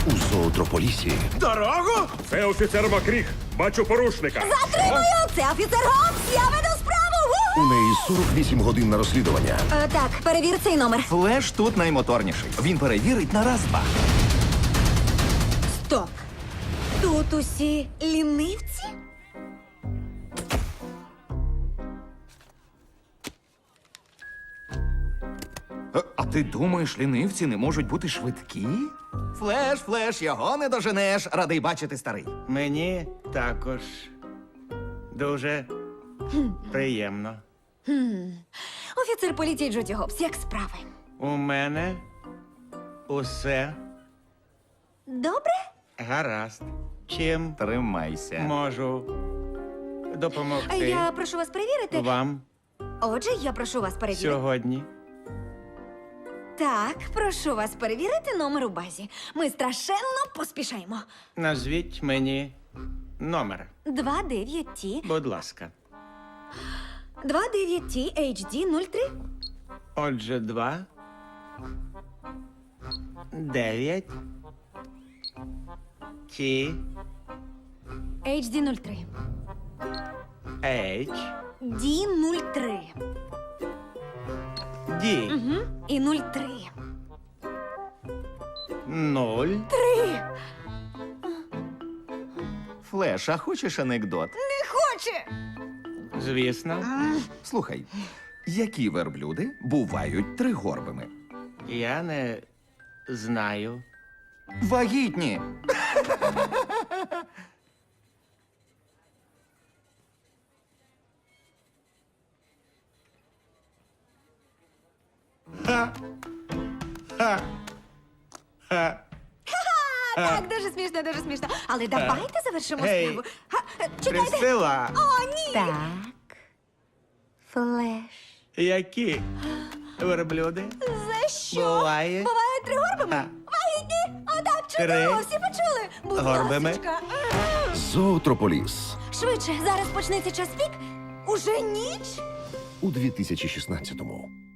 У зоотрополісі Дорогу? Це офіцер Макріг. Бачу порушника. Затримую! Це офіцер Гобс! Я веду справу! у неї 48 годин на розслідування. Так, перевір цей номер. Флеш тут наймоторніший. Він перевірить на раз-два. Стоп! Тут усі лінивці? А ти думаєш, лінивці не можуть бути швидкі? Флеш, його не доженеш. Радий бачити, старий. Мені також дуже приємно. Офіцер поліції Джуді Гобс, як справи? У мене усе Добре? гаразд. Чим Тримайся. можу допомогти Я прошу вас перевірити. вам Отже, я прошу вас перевірити. сьогодні? Так, прошу вас перевірити номер у базі. Ми страшенно поспішаємо. Назвіть мені номер, 29T, будь ласка. 29T HD 03. Отже, 9 T HD 03. H D 03. D І 03. 0. Флеш, а хочеш анекдот? Не хоче! Звісно, Слухай, які верблюди бувають тригорбими? я не знаю. Вагітні. Так, дуже смішно, дуже смішно. Але давайте завершимо Гей, справу. Чекайте. Присила, О, ні! Так. Флеш. які верблюди За що? буває Бувають тригорбами? Вагітні! Отак, чудово, Три. всі почули. Будь Горбами. ласочка. Зоотрополіс Швидше, зараз почнеться час пік. Уже ніч? у 2016-му.